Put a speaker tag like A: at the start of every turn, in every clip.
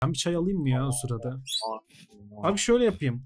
A: Ben bir çay alayım mı ya o sırada? Abi şöyle yapayım.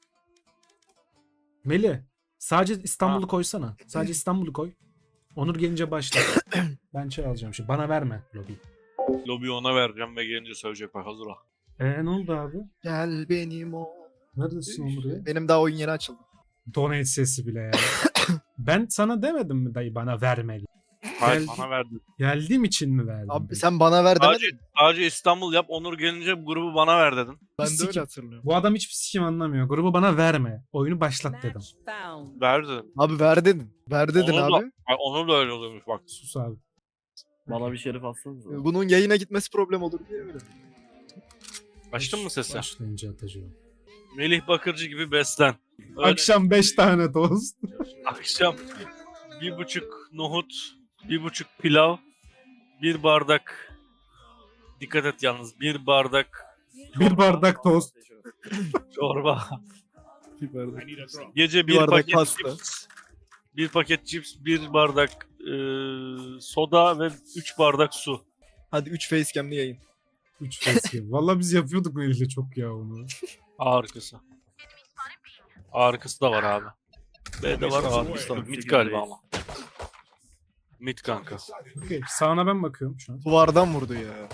A: Melih, sadece İstanbul'u koysana. Sadece İstanbul'u koy. Onur gelince başla. Ben çay alacağım şimdi. Bana verme lobi.
B: Lobiyi ona vereceğim ve gelince söyleyecek bak hazır ol.
A: Ne oldu abi?
C: Gel benim o.
A: Neredesin Onur ya?
C: Benim daha oyun yeni açıldı.
A: Donate sesi bile ya. Ben sana demedim mi dayı bana vermeli?
B: Hayır
A: Gel-
B: bana verdin.
A: Geldiğim için mi verdin?
C: Abi sen bana ver
B: Sadece,
C: demedin.
B: sadece İstanbul yap, Onur gelince bu grubu bana ver dedin.
C: Ben de
A: Sikim.
C: öyle hatırlıyorum.
A: Bu adam hiçbir sikim anlamıyor. Grubu bana verme. Oyunu başlat dedim.
B: Ver dedim.
C: Abi ver dedin. Ver dedin
B: Onur da,
C: abi.
B: Ay, Onur da öyle oluyormuş bak.
A: Sus abi.
D: Bana bir şerif atsanıza.
C: Bunun yayına gitmesi problem olur diye öyle.
B: Açtın mı sesi?
A: Başlayınca atacağım.
B: Melih Bakırcı gibi beslen. Öyle
A: Akşam 5 tane tost.
B: akşam 1,5 nohut, 1,5 pilav, 1 bardak, dikkat et yalnız, 1 bardak
A: Bir bardak tost.
B: çorba.
C: Bir bardak.
B: Gece
C: Bir
B: 1
C: bardak
B: paket
C: pasta.
B: cips, 1 paket cips, 1 bardak soda ve 3 bardak su.
C: Hadi 3 facecam'li yayın.
A: 3 facecam. Valla biz yapıyorduk Melih'le çok ya onu.
B: Arkası. Arkası da var abi. B'de var, arkası da var. Mid galiba ama. Mid kanka.
A: Okey. Sağına ben bakıyorum şu an.
C: Duvardan vurdu ya.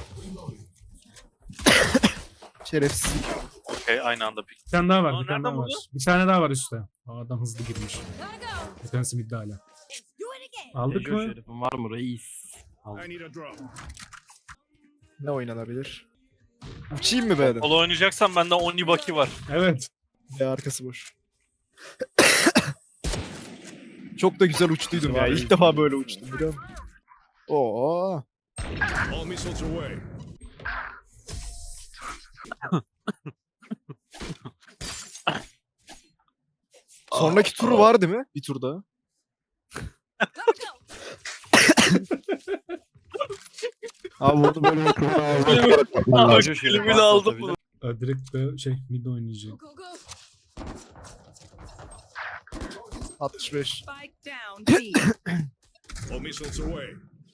C: Şerefsiz.
B: Okey aynı anda pik.
A: Bir tane daha var.
B: Aa,
A: Bir tane daha
B: nereden
A: var.
B: buldu?
A: Bir tane daha var üstte. Adam hızlı girmiş. Bir tanesi midde hala. Aldık
D: Tejo
A: mı?
D: şerifim var mı reis? Aldım.
C: Ne oynanabilir? Uçayım mı B'den?
B: Polo oynayacaksan bende Onibaki var.
A: Evet.
C: B arkası boş. Çok da güzel uçtuydum ya. İlk defa böyle uçtum biliyor musun? Oo.
E: All missiles away.
C: Sonraki turu var değil mi? Bir tur daha. Abi bunu böyle
D: Tejo şerif
B: Elimi de
D: varsa
B: aldım
D: tabii
B: bunu.
D: de.
A: Direkt de mid oynayacak.
C: 65.
F: Spike down B.
E: All missiles away.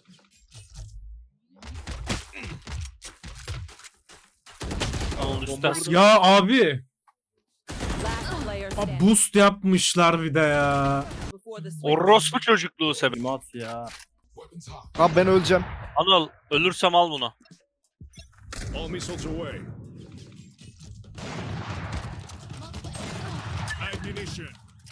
B: Onun üstten
A: Ya abi.
F: Last player
A: Abi
F: standing
A: boost yapmışlar bir de ya.
F: before the switch.
B: orospu çocukluğu sebep.
D: Mat ya.
C: Abi ben öleceğim.
B: Anıl ölürsem al bunu.
E: All missiles away. Ammunition.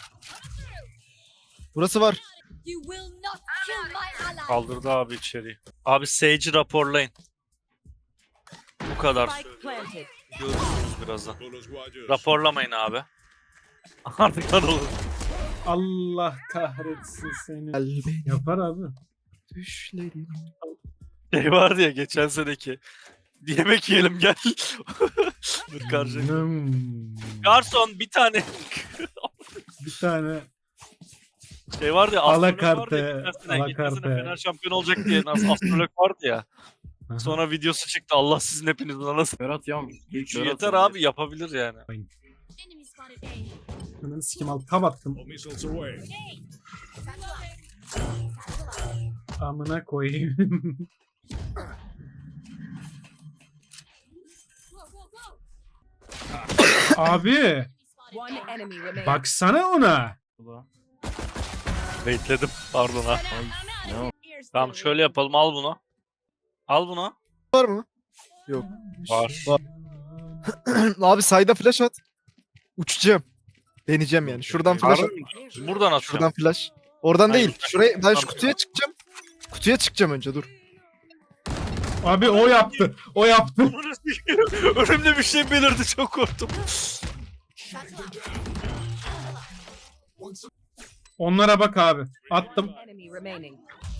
C: Burası var.
G: You will not kill my ally.
B: Kaldırdı abi içeriği. Abi Sage'i raporlayın. Bu kadar
F: Spike
B: söylüyorum.
F: planted.
B: Görürsünüz birazdan.
E: Bullets Rogers.
B: Raporlamayın abi. Artık Anıl.
A: Allah kahretsin seni.
C: Gel benim
A: Yapar abi.
C: düşlerim.
B: Şey vardı ya geçen seneki. Yemek yiyelim gel. Dur karşı. Garson bir tane
A: Bir tane
B: şey vardı ya. astrolog vardı ya,
A: Alakarte,
B: geçen sene
A: alakarte.
B: Fener şampiyon olacak diye astrolog vardı ya.
A: Aha.
B: Sonra videosu çıktı. Allah sizin hepinizin anasını.
D: Berat ya.
B: Şu yeter abi yapabilir yani.
G: Enemy spotted A.
A: Hemen sikim al. Tab attım.
E: All missiles away.
A: Amına koyayım. Abi
F: One enemy remaining.
A: baksana ona.
B: Bekledim. Pardon ha.
D: Ne o?
B: Tamam şöyle yapalım. Al bunu. Al bunu.
C: Var mı?
B: Var.
C: Abi sayda flash at. Uçacağım. Deneyeceğim yani. Şuradan flash at.
B: Buradan atacağım.
C: Şuradan flash. Oradan
B: Hayır.
C: değil. Şuraya ben şu kutuya çıkacağım. Kutuya çıkacağım önce dur.
A: Abi o yaptı. O yaptı.
B: Önümde bir şey belirdi. Çok korktum.
A: Onlara bak abi. Attım.
F: One enemy remaining.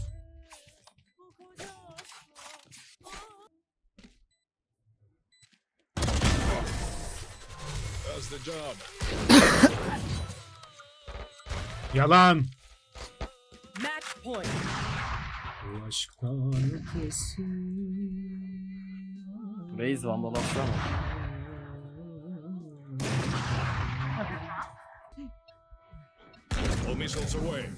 E: That's the job.
A: Yalan.
F: Match point.
A: Bu aşktan ötesi.
D: Reis vandal atsana.
E: All missiles away.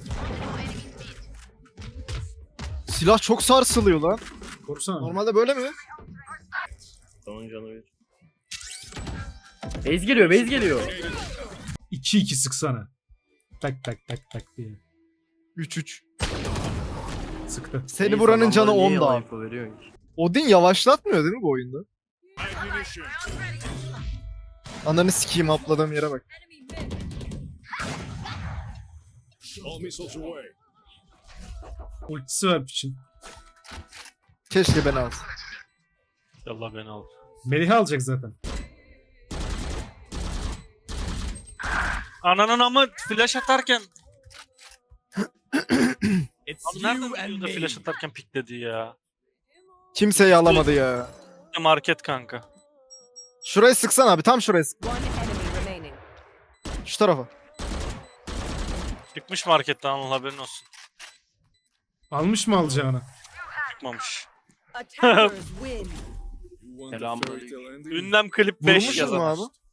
C: Silah çok sarsılıyor lan.
A: Korusana.
C: Normalde böyle mi?
D: Onun canı bir. Base geliyor, base geliyor.
A: 2-2 sıksana. Tak tak tak tak diye.
C: 3-3.
A: Sıktı.
C: Seni
D: Base
C: vuranın canı
D: adamlar
C: 10
D: niye
C: da
D: yalan
C: abi.
D: info veriyorsun ki?
C: Odin yavaşlatmıyor değil mi bu oyunda?
E: Ammunition.
C: Ananı sikeyim atladığım yere bak.
G: Enemy mid.
E: All missiles away.
A: Ultisi var için.
C: Keşke beni alsın.
B: Allah beni al.
A: Melih'i alacak zaten.
B: Ananın ama flash atarken. Abi nereden biliyor da flash atarken pikledi ya?
C: Kimseyi alamadı ya.
B: Market kanka.
C: Şurayı sıksan abi, tam şurayı sık.
F: One enemy remaining.
C: Şu tarafa.
B: Çıkmış marketten, Anıl haberin olsun.
A: Almış mı alacağını?
B: Çıkmamış.
F: Attackers win.
E: You want the
B: Selam.
E: fairy tale ending?
B: Ünlem klip 5
C: Vurmuşuz
B: yazar.
C: mu abi?